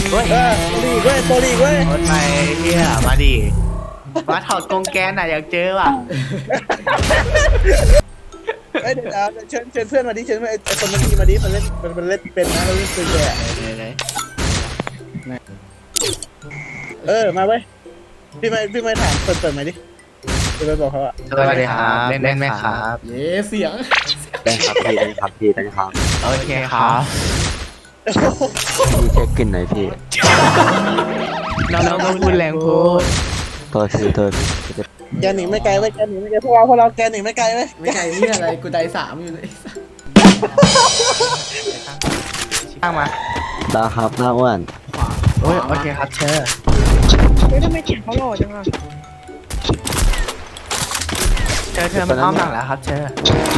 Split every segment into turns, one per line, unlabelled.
เฮ้ย
โปรลีกเว้ย
รถไปเฮียมาดิมาถอดกรงแกนอ่ะอยากเจอว่ะ
เอ้ยเดี๋ยวเชิญเพื่อนมาดิเชิญเพื่อนไอ้คนเมื่อกี้มาดิมันเล่นเป็นนะมันเล่นปืนแก
ไหน
มาเว้ยพี่ไม่ถามเปิดมาดิจะไปบอกเขาอะ
สวัสดีครับเล่นไหมครับ
เย้เสียง
ได้ครับพี่ได้ครับพี่ได้ครับ
โอเคครับ
พี่เช็คกลิ่นหน่อยพี่
น้องก็พูดแรงพูด
ตัวพี่ตัวพี่
แกหนีไม่ไกลเว้ยแกหนีไม่ไกลพวกเราแกหนีไม่ไกลเว้ย
ไม่ไกลนี่อะไรกูได้3อยู่เลย
ตั้งมา
ดาครับหน้าอ้วน
โอ้ยโอเคครับเชิญ
เฮ้ยทำไมเขียนเขาหล่อจังอ่ะ
เชิญมันอ้อมหลังแล้วครับเชิญ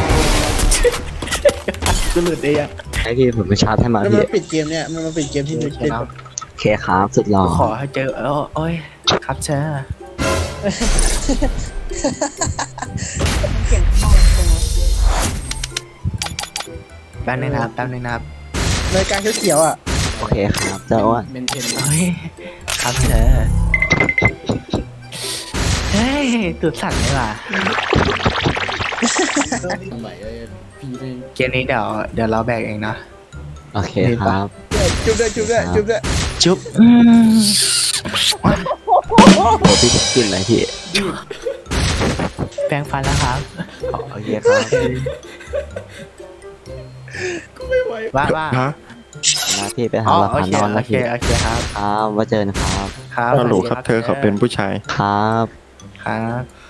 กูหลุดได้ยัง
ให้พี่ผมไปชาร์จให้มา
แล้ว
พี่
มันปิดเกมเนี่ยมันมาปิดเกมที่
โอ
นึก
เค
เป็น
เนาะ
โอเคครับสุดหล่อ
ขอให้เจอโอ้ยครับเชิญ
เขียนเขาหล่อจังวะ
แป๊บนึงนะครับ
รายการเขียวๆอ่ะ
โอเคครับเจ้าอ้วน
เมนเทน
เฮ้ยครับเชิญเฮ้ยตุดสั่นเลยว่ะ
ทำไมพี่ไม่
เกมนี้เดี๋ยวเราแบกเองนะ
โอเคครับ
จุ๊บด้วย
จุ๊บ
โอ้พี่เช็คกลิ่นหน่อยพี่
แปรงฟันแล้วครับ
โอเคครับ
ว่า
นะพี่ไปหา
อ๋อ
หลัก
โอ
ฐาน
เคน
อน
โอ
แล้ว
เค
พี่
โอเคครับ
ครับว่าเจอกันครับ
ครับ
ฮัลโหลครับเธอเขาเป็นผู้ชาย
ครับ
ครับ